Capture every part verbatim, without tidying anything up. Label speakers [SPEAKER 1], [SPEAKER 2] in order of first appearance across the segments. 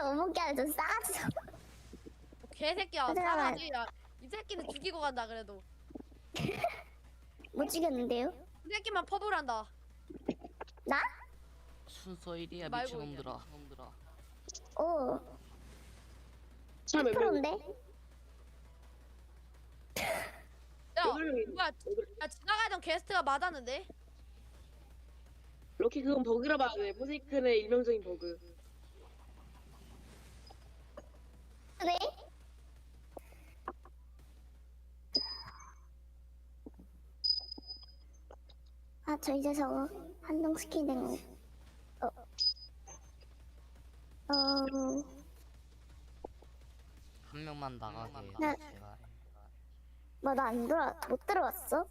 [SPEAKER 1] 못 먹게 하네. 저 싸가지.
[SPEAKER 2] 개새끼야.
[SPEAKER 1] 얘들아.
[SPEAKER 2] 사과지. 야, 이 새끼는 죽이고 간다 그래도.
[SPEAKER 1] 못 죽였는데요?
[SPEAKER 2] 이 새끼만 퍼블한다.
[SPEAKER 1] 나?
[SPEAKER 3] 순서 일이야
[SPEAKER 2] 말고
[SPEAKER 3] 미친놈들아.
[SPEAKER 1] 오.
[SPEAKER 4] 사람 몇 명?
[SPEAKER 1] 프로인데?
[SPEAKER 2] 야,
[SPEAKER 4] 여덟 명이
[SPEAKER 2] 뭐야? 야, 지나가던 게스트가 맞았는데?
[SPEAKER 4] 럭키 그건 버그라 봐야 돼. 포세이큰의 일명적인 버그.
[SPEAKER 1] 그래? 아, 저 이제 저거 한동 스킨 된 거. 어. 어.
[SPEAKER 3] 한 명만 나가게.
[SPEAKER 1] 나-
[SPEAKER 3] 제발.
[SPEAKER 1] 뭐 나 안 들어 못 들어왔어?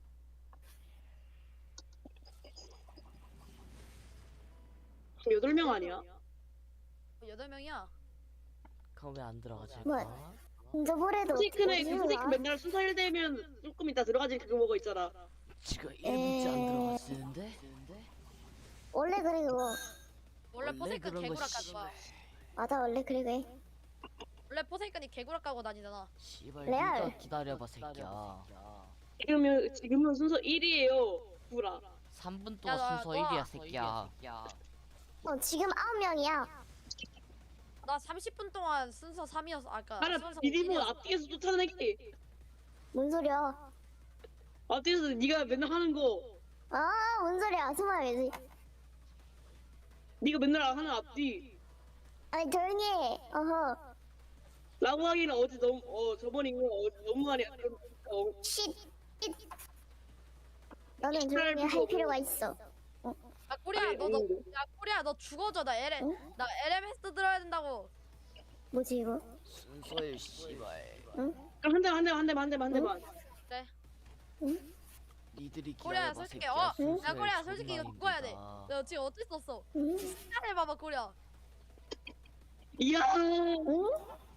[SPEAKER 4] 여덟 명 아니야?
[SPEAKER 2] 여덟 명이야.
[SPEAKER 3] 그럼 왜 안 들어가지?
[SPEAKER 1] 뭐야? 저번에도
[SPEAKER 4] 포세이큰의 그 포세이큰 맨날 순서 일 되면 조금 이따 들어가지 그거 먹어 있잖아.
[SPEAKER 3] 지금 일 분째 안 들어가지는데?
[SPEAKER 1] 원래 그래 그거.
[SPEAKER 2] 원래 포세이큰
[SPEAKER 3] 그런 거
[SPEAKER 2] 개구락
[SPEAKER 3] 씨-
[SPEAKER 2] 까고 와.
[SPEAKER 1] 맞아 원래 그래 그래.
[SPEAKER 2] 원래 포세이큰이 개구락 까고 다니잖아.
[SPEAKER 3] 씨발
[SPEAKER 1] 레알.
[SPEAKER 3] 니가 기다려봐 새끼야.
[SPEAKER 4] 지금은 지금은 순서 일이에요. 구라.
[SPEAKER 3] 삼 분
[SPEAKER 2] 야,
[SPEAKER 3] 동안
[SPEAKER 2] 나-
[SPEAKER 3] 순서
[SPEAKER 2] 너야.
[SPEAKER 3] 일이야 새끼야.
[SPEAKER 1] 어 지금 아홉 명이야.
[SPEAKER 2] 나 삼십 분 동안 순서 삼이었어. 아까
[SPEAKER 4] 나는
[SPEAKER 2] 순서
[SPEAKER 4] 비디모
[SPEAKER 2] 일이었어.
[SPEAKER 4] 앞뒤에서 쫓아내기.
[SPEAKER 1] 뭔 소리야?
[SPEAKER 4] 앞뒤에서 네가 맨날 하는 거.
[SPEAKER 1] 아, 뭔 소리야? 숨어야지.
[SPEAKER 4] 네가 맨날 하는 앞뒤.
[SPEAKER 1] 아니 조용히 해. 어허.
[SPEAKER 4] 라고 하기는 어제 너무 어 저번인 거 어, 너무 많이 어,
[SPEAKER 1] 쉿. 쉿. 너는 조용히 할 필요가 있어.
[SPEAKER 2] 야, 코리아
[SPEAKER 4] 아니,
[SPEAKER 2] 너 너
[SPEAKER 4] 없는데.
[SPEAKER 2] 야, 코리아 너 죽어줘. 나 엘엠
[SPEAKER 1] 응?
[SPEAKER 2] 나 엘엠에스 들어야 된다고.
[SPEAKER 1] 뭐지 이거?
[SPEAKER 3] 순서일 씨발.
[SPEAKER 1] 응?
[SPEAKER 4] 그럼 한 대만 한 대만 한 대만 한 대만 한 대만.
[SPEAKER 2] 그래.
[SPEAKER 1] 응?
[SPEAKER 3] 니들이
[SPEAKER 2] 코리아
[SPEAKER 3] 기다려봐
[SPEAKER 2] 솔직히
[SPEAKER 3] 새끼야.
[SPEAKER 2] 어, 야
[SPEAKER 3] 순서일
[SPEAKER 2] 코리아 솔직히 이거
[SPEAKER 3] 존나
[SPEAKER 2] 죽어야 돼.
[SPEAKER 3] 힘들다.
[SPEAKER 2] 너 지금 어쩔 수 없어.
[SPEAKER 1] 응?
[SPEAKER 2] 시간을 봐봐 코리아.
[SPEAKER 4] 이야.
[SPEAKER 1] 응?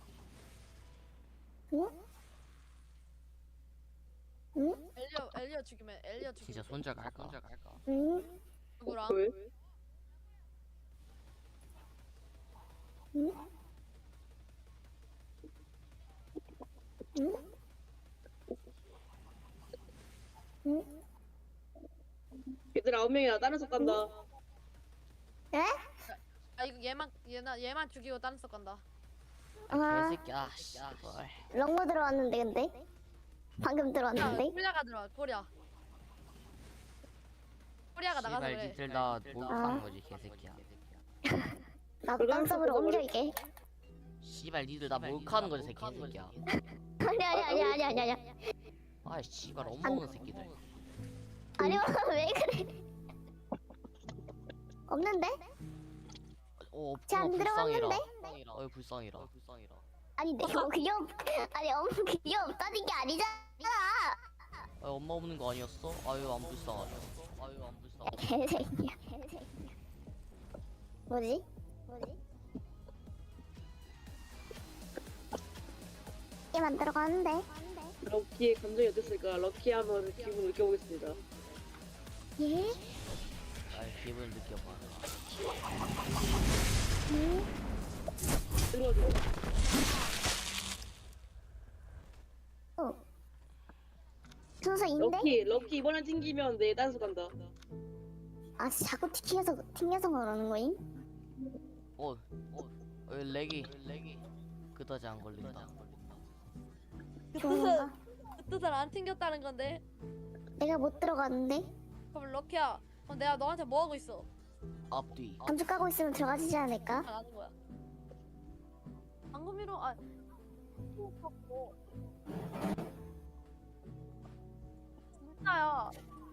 [SPEAKER 1] 응? 응?
[SPEAKER 2] 엘리어 엘리어 죽이면 엘리어 죽이면
[SPEAKER 3] 진짜 손절 갈까?
[SPEAKER 1] 응?
[SPEAKER 2] 누구랑?
[SPEAKER 4] 왜?
[SPEAKER 1] 응? 응? 응?
[SPEAKER 4] 얘들 아홉 명이나 다른 속 간다.
[SPEAKER 1] 에?
[SPEAKER 2] 아 이거 얘만 얘나 얘만 죽이고 다른 석 간다.
[SPEAKER 1] 아,
[SPEAKER 3] 개새끼야. 씨발.
[SPEAKER 1] 렁모 들어왔는데 근데? 방금
[SPEAKER 2] 야,
[SPEAKER 1] 들어왔는데?
[SPEAKER 2] 코리아가 들어와 코리아. 코리아가 나가서
[SPEAKER 3] 씨발
[SPEAKER 2] 그래.
[SPEAKER 3] 니들 나 목욕하는
[SPEAKER 1] 아.
[SPEAKER 3] 거지 개새끼야.
[SPEAKER 1] 나도 딴섭으로 옮겨올게.
[SPEAKER 3] 씨발 니들 나 목욕하는 거지 새끼 개새끼야.
[SPEAKER 1] 아니 아니 아니 아니 아니 아니
[SPEAKER 3] 아이 씨발 엄먹는 새끼들.
[SPEAKER 1] 아니 왜 그래? 없는데?
[SPEAKER 3] 어
[SPEAKER 1] 쟤안
[SPEAKER 3] 없구나 불쌍해라.
[SPEAKER 1] 들어갔는데?
[SPEAKER 3] 어이 불쌍해라.
[SPEAKER 1] 아니 내가 그게 없 아니 엄마 그게 없다는 게 아니잖아.
[SPEAKER 3] 아 엄마 없는 거 아니었어? 아유 안 불쌍하네. 아유 안 불쌍.
[SPEAKER 1] 개새끼야 개새끼야. 뭐지? 뭐지? 얘만 들어가는데?
[SPEAKER 4] 럭키의 감정이 어땠을까? 럭키 한번 기분 느껴보겠습니다.
[SPEAKER 1] 예?
[SPEAKER 3] 아 기분을 느껴봐.
[SPEAKER 4] 들어줘.
[SPEAKER 1] 어. 순서인데?
[SPEAKER 4] 럭키 럭키 이번엔 튕기면 내 단수 간다.
[SPEAKER 1] 아 자꾸 튕겨서 튕겨서 그러는 거임?
[SPEAKER 3] 어, 어, 어 렉이 렉이 그다지 안 걸린다.
[SPEAKER 1] 좋은가?
[SPEAKER 2] 그 뜻을 안 튕겼다는 건데.
[SPEAKER 1] 내가 못 들어갔는데?
[SPEAKER 2] 그럼 럭키야. 그럼 내가 너한테 뭐 하고 있어?
[SPEAKER 3] 앞뒤.
[SPEAKER 1] 감쪽 까고 있으면 들어가지지 않을까?
[SPEAKER 2] 안 하는 거야. 방금이로 아. 진짜야.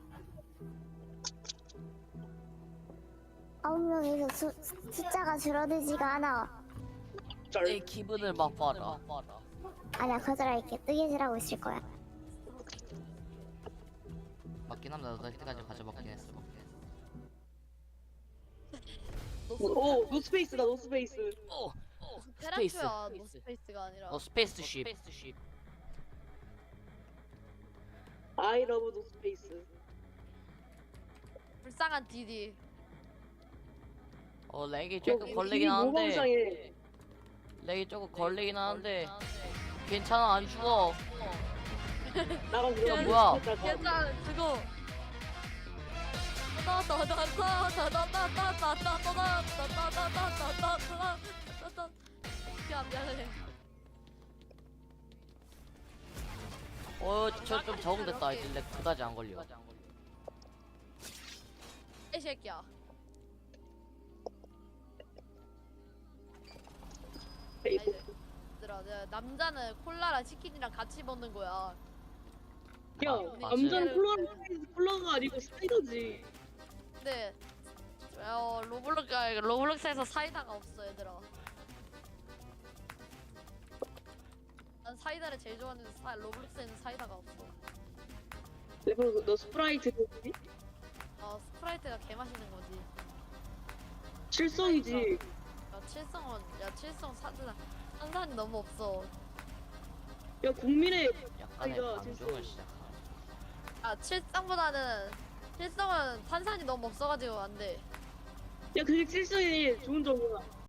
[SPEAKER 1] 아홉 명에서 수, 숫자가 줄어들지가 않아.
[SPEAKER 3] 내 기분을 맛봐라.
[SPEAKER 1] 아니야 거절할게. 뜨개질하고 있을 거야.
[SPEAKER 3] 맞긴 한다. 나 그때까지 가져먹긴 했어.
[SPEAKER 4] 오 노스페이스다 노스페이스.
[SPEAKER 3] 어, 어, 스페이스.
[SPEAKER 2] 테라큐야 노스페이스가 아니라.
[SPEAKER 3] 어 스페이스 쉽.
[SPEAKER 4] I love 노스페이스.
[SPEAKER 2] 불쌍한 디디.
[SPEAKER 3] 어 렉이 조금
[SPEAKER 4] 이-
[SPEAKER 3] 걸리긴
[SPEAKER 4] 이 뭐가
[SPEAKER 3] 하는데.
[SPEAKER 4] 이상해.
[SPEAKER 3] 렉이 조금 걸리긴 하는데 괜찮아 안 죽어.
[SPEAKER 4] 나가 들어가.
[SPEAKER 3] 뭐야?
[SPEAKER 2] 괜찮아 그거 야 미안해.
[SPEAKER 3] 어저 좀 적응됐다. 이제 렉 그다지 안 걸려.
[SPEAKER 2] 이 새끼야. 얘들아, 내가 남자는 콜라랑 치킨이랑 같이 먹는 거야.
[SPEAKER 4] 야,
[SPEAKER 3] 맞지?
[SPEAKER 4] 남자는 콜라는 사이드- 콜라가 아니고 사이다지.
[SPEAKER 2] 근데 어, 로블록스 로블록스에서 사이다가 없어 얘들아. 난 사이다를 제일 좋아하는데 사, 로블록스에는 사이다가 없어.
[SPEAKER 4] 그래서 너 스프라이트 뭐지?
[SPEAKER 2] 어 스프라이트가 개 맛있는 거지.
[SPEAKER 4] 칠성이지.
[SPEAKER 2] 야 칠성은 야 칠성 사드나 탄산이 너무 없어.
[SPEAKER 4] 야, 국민의
[SPEAKER 3] 약간의
[SPEAKER 4] 아이가
[SPEAKER 3] 방종을
[SPEAKER 4] 진짜-
[SPEAKER 3] 시작하네.
[SPEAKER 2] 아 칠성보다는 칠성은 탄산이 너무 없어가지고 안 돼.
[SPEAKER 4] 야, 그게 칠성이 좋은 점이야.